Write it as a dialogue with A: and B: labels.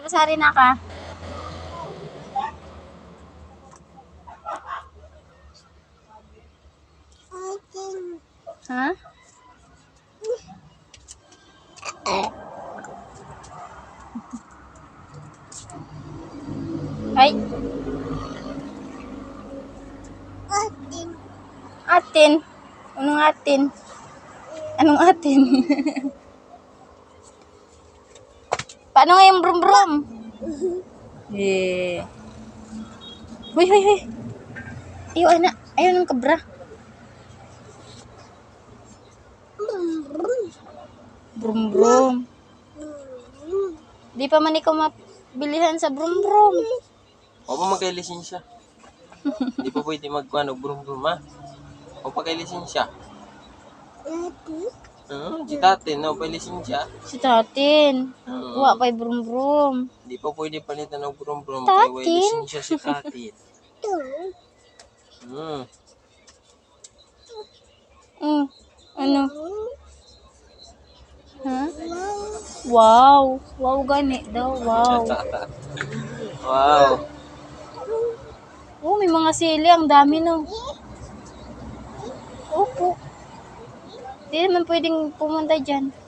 A: Pasari na ka. Ha? Ay. Atin. Anong atin? Anong atin? Paano nga yung brum brum? Eh. Huy, huy, huy. Ayaw, anak. Ayaw ng kabra. Brum brum. Di pa man ikaw mabilihan sa brum brum.
B: O pa magkailisensya. Hindi pa pwede magkuhan brum brum ha. O pa kailisensya. Si tatin, no, pa lisensya.
A: Si tatin. Wa pa'y brum brum.
B: Hindi pa pwede palitan ng brum brum.
A: Tatin?
B: Kaya way lisensya si tatin.
A: Ano? Ha? Wow. Wow gani daw. Wow.
B: Wow.
A: Oh, may mga sili. Ang dami no. Opo. Di naman pwedeng pumunta dyan.